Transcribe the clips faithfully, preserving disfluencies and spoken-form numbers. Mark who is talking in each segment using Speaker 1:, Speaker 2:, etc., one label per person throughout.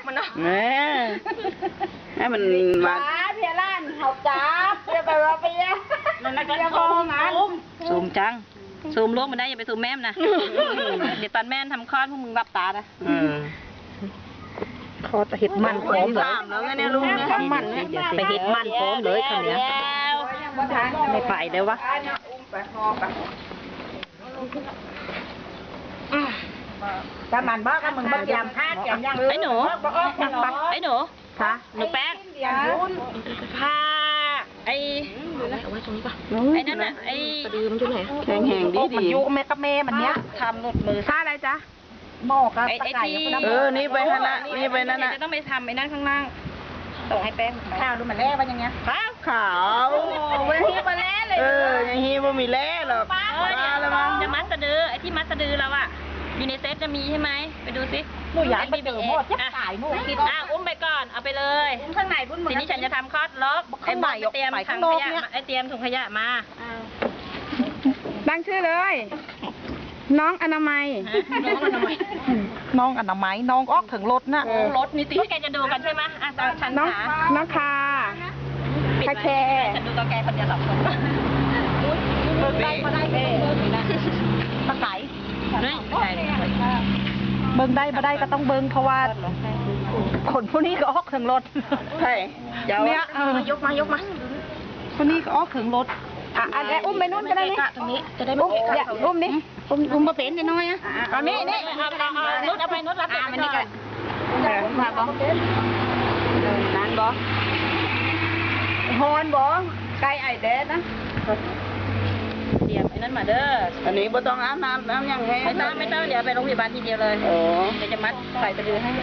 Speaker 1: มันเนาะ
Speaker 2: แหมให้มันมา
Speaker 1: เพียร้านเขาจับเพียไปว่าเพียมันนักเรียนมองงาน
Speaker 3: ซูมจังซูมลวกมันได้อย่าไปซูมแม่มนะเดี๋ยวตอนแม่ทำคลอดพวกมึงรับตานะคอจะเห็ดมันพร้อมเลย
Speaker 2: แล้วไงเนี่ยลุงเนี่ย
Speaker 3: ทำมันไปเห็ดมันพร้อมเลยคำนี้ไม่ไปเดี๋ยววะ
Speaker 1: ถ้ามันบ้าก็มึงบ้ายามพาดยามยัง
Speaker 3: ไอ้หนูไอ้หนูค่ะหนูแป้งพาไอ้เอาไว้ตรงนี้ป่ะไอ้นั่นน่ะไอ้กระดือมันอยู่ไหน
Speaker 2: แข็งแห้งดีดี
Speaker 1: ยุแม่กับแม่มันเนี้ย
Speaker 3: ทำหลุดมือ
Speaker 1: ท่าอะไรจ๊ะหม้อกับตะไคร้
Speaker 2: เออนี่ไปนั่นน่ะนี่ไปนั่นน่ะ
Speaker 3: จะต้องไปทำไอ้นั่นข้างล่างส่งให้แป้ง
Speaker 1: ข้าวดูมันแร่ว่าอย่างเงี้ย
Speaker 3: ข้าว
Speaker 2: ขาว
Speaker 1: วันนี้มาแร่เลย
Speaker 2: เอออย่างนี้ว่ามีแร่หรอก
Speaker 3: มาแล้วมั้งจะมัดสะดือไอ้ที่มัดสะดือเราอะอยู่ในเซ็ตจะมีใช่ไหมไปดูสิ
Speaker 1: หนูอยากไปเจอหมดจะขายหนู
Speaker 3: คิดอ่ะอุ้มไปก่อนเอาไปเลย
Speaker 1: อุ้มข้างในบุ้นมือ
Speaker 3: ทีนี้ฉันจะทำคลอดล็อกไอ้ใบเตรียมถังขยะไอ้เตรียมถุงขยะมา
Speaker 1: ตั้งชื่อเลยน้องอนามัยน้องอนามัยน้องอนามัยน้องออกถึงรถน่ะ
Speaker 3: รถนี่ติแกจะดูกันใช่ไหมอ่ะฉัน
Speaker 1: น้องน้องคาคาแค
Speaker 3: ฉันดูตัวแกคนเดียวสองคน
Speaker 1: เบิกได้มาได้เองตะไคร้เบิ้งได้มาได้ก็ต้องเบิ้งเพราะว่าคนพวกนี้ก็ออกถึงรถ
Speaker 2: ใช่
Speaker 1: เนี่ยยกมายกมาคนนี้ก็ออกถึงรถอ่ะอันนี้อุ้มไปนู่นก็ได้นี่
Speaker 3: ตรงนี้จะได้ไม่เกะกะ
Speaker 1: อุ้มนี่อุ้มอุ้มมาเป็นน้อยอ่ะอันนี้นี่
Speaker 3: เอาเอานุชเอาไปนุชรับไปมันนี่กัน
Speaker 1: มาบ้องนั่นบ้องฮอนบ้องไก่ไอเด็ดนะ
Speaker 3: เตรียมไอ้นั่นมาเด้อ
Speaker 2: อันนี้บ่ต้องอาบน้ำน้ำยังไง
Speaker 3: ไม่ต้องไม่ต้องเดี๋ยวไปโรงพยาบาลทีเดียวเลย
Speaker 2: โอ้
Speaker 3: เดี๋ยวจะมัดใส่สะดือให้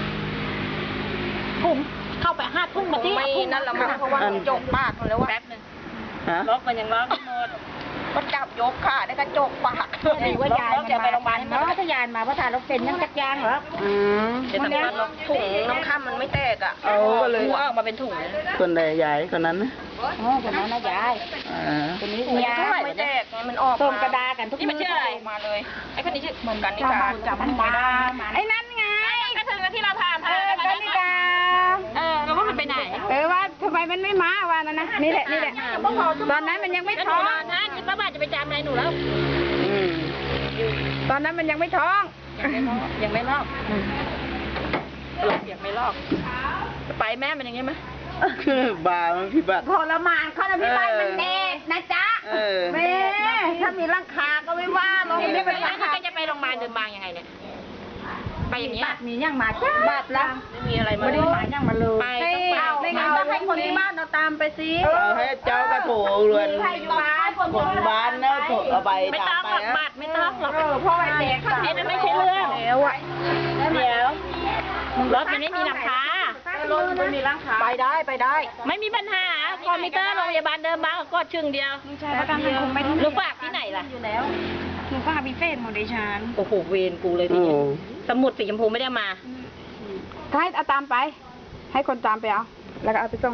Speaker 1: ทุ่มเข้าไปห้าทุ่มมาที่
Speaker 3: นั่นละมั้ง
Speaker 1: เพราะว่าจกปากแล้วว่า
Speaker 3: แป๊บนึงล็อกมันยังล็อกหมด
Speaker 1: ก็จับยกค่ะได้กระจกปากดีว่ายาย
Speaker 3: จะไปโรงพยาบาลให้
Speaker 1: มาถ้ายายมาเพราะทานรถเป็นยังจักยางเหรอ
Speaker 2: อืม
Speaker 3: จะทำการล็อกถุงน้ำข้ามมันไม่แตกอ่ะ
Speaker 2: เอาก็เลย
Speaker 3: ออกมาเป็นถุง
Speaker 2: คนใดยายคนนั้นนะ
Speaker 1: อ๋อคนนั้นนะยายคนนี้ยาย
Speaker 3: ไม่แตกมันออก
Speaker 1: ต้มกระดากันทุก
Speaker 3: นี่มันชื่ออะไรมาเลยไอ้คนนี้ชื่อเหมือนกันนี่ค่ะ
Speaker 1: จับมันมาไอ้นั่นไง
Speaker 3: ก็ถึงที่เราทาน
Speaker 1: เออกันนี่กา
Speaker 3: เออแล้วว่ามันไปไหน
Speaker 1: เออว่าทำไมมันไม่มาว่านั่นนะนี่แหละนี่แหละตอนนั้นมันยังไม่ท้อง
Speaker 3: นะที่ป้าบ้านจะไปจามอะไรหนูแล้ว
Speaker 1: ตอนนั้นมันยังไม่ท้อง
Speaker 3: ยังไม่ลอกยังไม่ลอกไปแม่มันอย่างงี้ไหม
Speaker 2: บามันพี่บัตร
Speaker 1: ทรมานเขาจะพี่บ้านมันเด็กนะจ๊ะแม่ถ้ามีร่างคาก็ไม่ว่าลงนี่เป็นร่างคา
Speaker 3: จะไปโรงพยาบาลเดินบางยังไงเนี่ยไปอย่างนี้
Speaker 1: มีย่างมาจ้าบาดละ
Speaker 3: ไม่มีอะไรมา
Speaker 1: ไม่ได้มาย่างมาเลย
Speaker 3: ไปต้อง
Speaker 1: ไปไม่งั้นต้องให้คนที่บ้านเราตามไปสิ
Speaker 2: เอาให้เจ้ากระโถเรือนคนบ้านนะถูกเอาไป
Speaker 3: ไม่ต้องหลักบาทไม่ต้องหรอก
Speaker 1: เพราะไอ้เด็ก
Speaker 3: ไอ้นั่นไม่ใช่เรื่องเดี๋ยวเดี๋ยวรถมันไม่มีหลังคาร
Speaker 1: ถไม่มีหลังคาไปได้ไปได้
Speaker 3: ไม่มีปัญหาคอมพิวเตอร์โรงพยาบาลเดิมบางก็ชึ่งเดียว
Speaker 1: ใช่ประกันสังคมไม่
Speaker 3: หนูฝากที่ไหนล่ะ
Speaker 1: อยู่แล้วหนูฝากพิเศษหมดดิฉัน
Speaker 3: โอ้โหเวรกูเลยทีนี้สมุดสีชมพูไม่ได้มา
Speaker 1: ให้เอาตามไปให้คนตามไปเอาแล้วก็เอาไปส่ง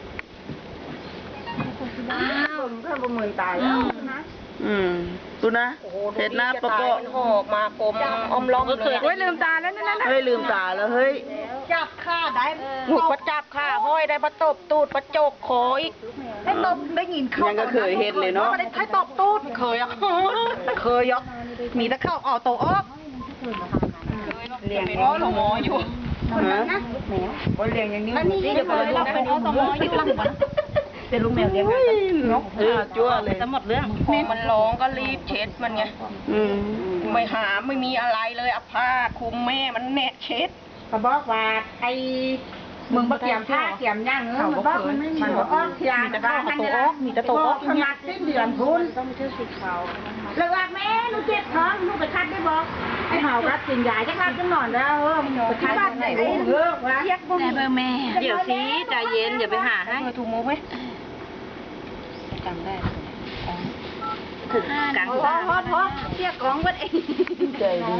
Speaker 1: อ้าวเพื่อนประเมินตายแล้วนะ
Speaker 2: อืมดูนะเห็ดหน้าปะก็
Speaker 3: หอกมากลมอมล้อม
Speaker 1: เลยเฮ้ยลืมตาแล้วนั่น
Speaker 2: เฮ้ยลืมตาแล้วเฮ้ย
Speaker 1: จับข้าได้
Speaker 3: หนูก็จับข้าห้อยได้ประตบตูดประโจกคออีก
Speaker 1: ได้ตบได้ยินเขา
Speaker 2: ยังก็เคยเห็ดเลยเนาะ
Speaker 1: ให้ตบตูดเคยอ่ะเคยอ่ะมีแต่เข้าเอาโตออก
Speaker 3: เลี้ยงอ๋อหมออยู่
Speaker 1: คนนั้นนะแมวคนเลี้ยงอย่างนี้นี่จะไปดูนะเป็นอ๋อหมออยู่หลังบ้านเป็นลูกแมวเลี้ยงไง
Speaker 2: นกเออจั่วเลย
Speaker 3: จะหมดเรื่องแม่มันร้องก็รีบเช็ดมันไงไม่หาไม่มีอะไรเลยเอาผ้าคลุมแม่มันแนะเช็ด
Speaker 1: เขาบอกว่าไอ้มึงบ่เกี่ยมผ้าเกี่ยมย่างเออมันบอกมันไม่มีหัวอ้อเกี่ยมแต่ข้าวโตออกมีแต่โตออกขนาดสิ้นเดือนทุนต้องไปเชื่อสีขาวเลยว่าแม่หนูเจ็บท้องหนูไปคัดได้บอกไอ้เห่ากัดกินยาจะคัดจังหนอนแล้วเออมันไปคัดบ้านไหนเออวะ
Speaker 3: เรียกพวกนี้แม่เดี๋ยวสิใจเย็นอย่าไปหาให้
Speaker 1: ถูกมุกไหม
Speaker 3: จำได้ถึงกลาง
Speaker 1: ทอทอทอเรียกของวัดเอง
Speaker 2: ใจดี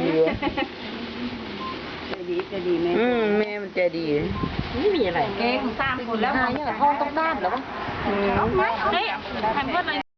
Speaker 1: ใจดีใจดีแม่
Speaker 2: อืมแม่มันใจดี
Speaker 3: ไม่มีอะไร
Speaker 1: เก่งสามคนแล้วห้องต้องด้านหรอวะ
Speaker 3: เฮ้ยทำเพื่ออะไร